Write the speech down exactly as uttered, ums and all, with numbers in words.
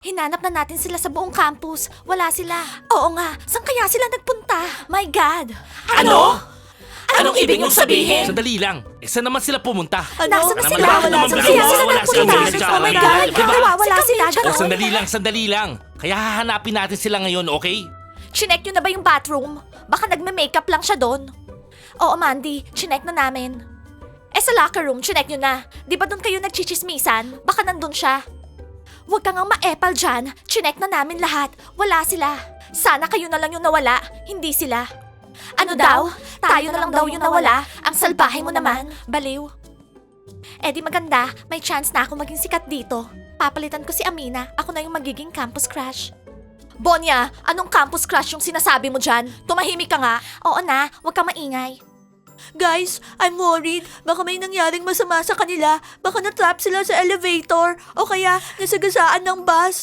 Hinanap na natin sila sa buong campus. Wala sila. Oo nga, saan kaya sila nagpunta? My God! Ano? Anong ibig niyong sabihin? Sandali lang. Eh, saan naman sila pumunta? Nasaan na Ano sila? naman? Wala Ano sila. naman? Kaya sila Wala sila. nagpunta. Wala Oh my sila. God! Diba? Wala sila. O, Ganon. sandali lang, sandali lang. Kaya hahanapin natin sila ngayon, okay? Chinek nyo na ba yung bathroom? Baka nagme-makeup lang siya doon. Oo, Mandy. Chinek na namin. Eh sa locker room, chinek nyo na. Di ba doon kayo nagchichismisan? Baka nandun siya. Huwag kang ang maepal dyan. Chinek na namin lahat. Wala sila. Sana kayo na lang yung nawala, hindi sila. Ano, daw? Tayo na lang daw yung nawala. Ang salbahe mo naman. Baliw. Eh di maganda, may chance na ako maging sikat dito. Papalitan ko si Amina. Ako na yung magiging campus crush. Bonya, anong campus crush yung sinasabi mo dyan? Tumahimik ka nga. Oo na, huwag kang maingay. Guys, I'm worried. Baka may nangyaring masama sa kanila. Baka na-trap sila sa elevator o kaya nasagasaan ng bus.